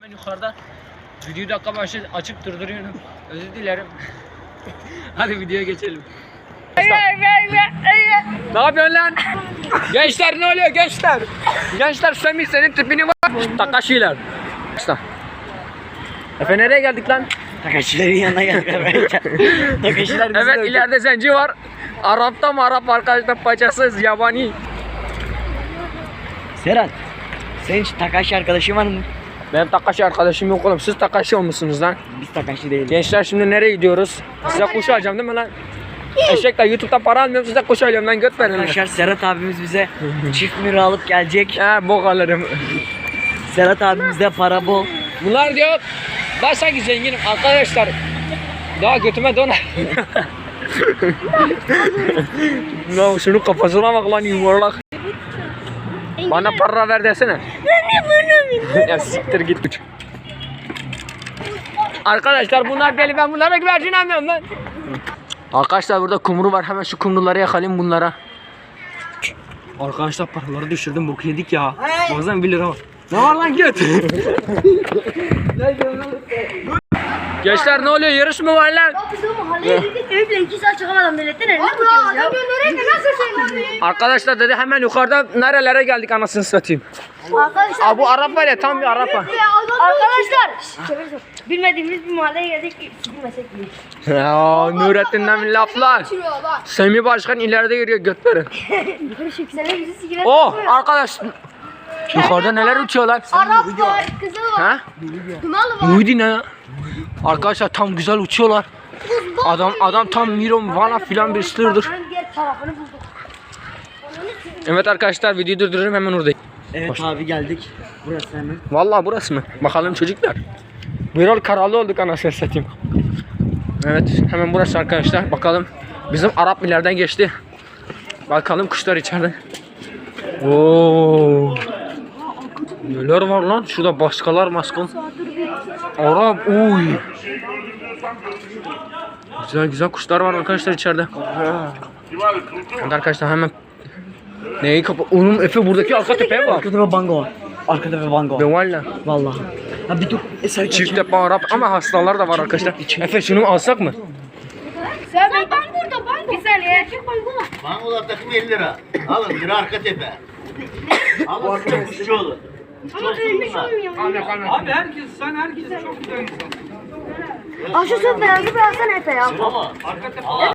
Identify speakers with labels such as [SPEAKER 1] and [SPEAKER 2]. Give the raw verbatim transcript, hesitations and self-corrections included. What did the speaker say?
[SPEAKER 1] Yukarıda videoyu dakika başı açıp durduruyorum. Özür dilerim. Hadi videoya geçelim. Ne yapıyorsun lan? Gençler ne oluyor gençler? Gençler Semih senin tipini var. Takashi'ler. Efe nereye geldik lan?
[SPEAKER 2] Takashi'lerin yanına geldik. Takashi'ler bizi
[SPEAKER 1] Evet
[SPEAKER 2] öldü.
[SPEAKER 1] ileride zenci var. Arap'ta mı Arap arkadaşlar paçasız yabani.
[SPEAKER 2] Serhat, senin hiç Takashi arkadaşın var mı?
[SPEAKER 1] Benim Takashi arkadaşım yok oğlum. Siz Takashi olmuşsunuz lan.
[SPEAKER 2] Biz Takashi değiliz.
[SPEAKER 1] Gençler şimdi nereye gidiyoruz? Size kuş alacağım değil mi lan? Eşekler YouTube'da para almıyorum, size kuş alıyorum lan, göt verin.
[SPEAKER 2] Arkadaşlar Serhat abimiz bize çift mira alıp gelecek.
[SPEAKER 1] He bok alırım.
[SPEAKER 2] Serhat abimizde para bol.
[SPEAKER 1] Bunlar diyor ben sanki zenginim arkadaşlar. Daha götüme donar. Ya şunun kafasına bak lan yuvarlak. Bana para ver desene. Ya siktir git. Arkadaşlar bunlar deli, ben bunlara güvercinemiyorum lan. Arkadaşlar burada kumru var, hemen şu kumruları yakalayayım bunlara. Arkadaşlar paraları düşürdüm, bok yedik ya. Bazen bir lira var. Ne var lan göt? Gençler ne oluyor, yarış mı var lan?
[SPEAKER 3] Ya biz o mahalleye gittik, evi bile iki saat çıkamadan milletten elini tutuyoruz ya. Adam göndereyim de nasıl şey?
[SPEAKER 1] Arkadaşlar dedi hemen yukarıda nerelere geldik anasını satayım.
[SPEAKER 3] Arkadaşlar.
[SPEAKER 1] Aa bu Arap var ya, tam bir Arap var.
[SPEAKER 3] Arkadaşlar. Bilmediğimiz bir mahalleye geldik ki bilmesek bile.
[SPEAKER 1] Ya Nurettin'den bir laflar. Semih Başkan ileride yürüyor, göt verin.
[SPEAKER 3] Sen bizi sigara
[SPEAKER 1] Oh arkadaş. Yukarıda neler uçuyorlar?
[SPEAKER 3] Arap var, kızıl var,
[SPEAKER 1] Ha?
[SPEAKER 3] Dumanlı var.
[SPEAKER 1] Muhidi ne ya? Arkadaşlar tam güzel uçuyorlar. Adam adam tam Miron Vana filan bir sırdır.
[SPEAKER 3] Ben diğer tarafını buldum.
[SPEAKER 1] Evet arkadaşlar videoyu durduruyorum, hemen oradayım.
[SPEAKER 2] Evet abi geldik. Burası hemen.
[SPEAKER 1] Vallahi burası mı? Bakalım çocuklar. Bir yol karalı olduk anasını satayım. Evet hemen burası arkadaşlar. Bakalım bizim Arap ileriden geçti. Bakalım kuşlar içeride. Oo. Neler var lan? Şurada başkalar maskon. Arap uy. Güzel güzel kuşlar var arkadaşlar içeride. Evet arkadaşlar hemen neyi kapa? Onun Efe buradaki arka tepeye bak.
[SPEAKER 2] Arkada ve bango var. Arkada ve bango
[SPEAKER 1] Be
[SPEAKER 2] var.
[SPEAKER 1] valla.
[SPEAKER 2] Vallahi. Ha bir dur. E, sen
[SPEAKER 1] Çift tepe Arap ama hastalar da var arkadaşlar. Efe şunu mu alsak mı?
[SPEAKER 3] Sen ben burada bango. Bir saniye.
[SPEAKER 4] Mangolar takım elli lira. Alın bir arka tepe. Alın size kuşçu olun. Kuşçu olsun bunlar.
[SPEAKER 1] Abi herkes sen herkes çok güzel insan.
[SPEAKER 3] Aa şu söz beyanı bir alsana Efe ya.
[SPEAKER 4] Ama arka tepe.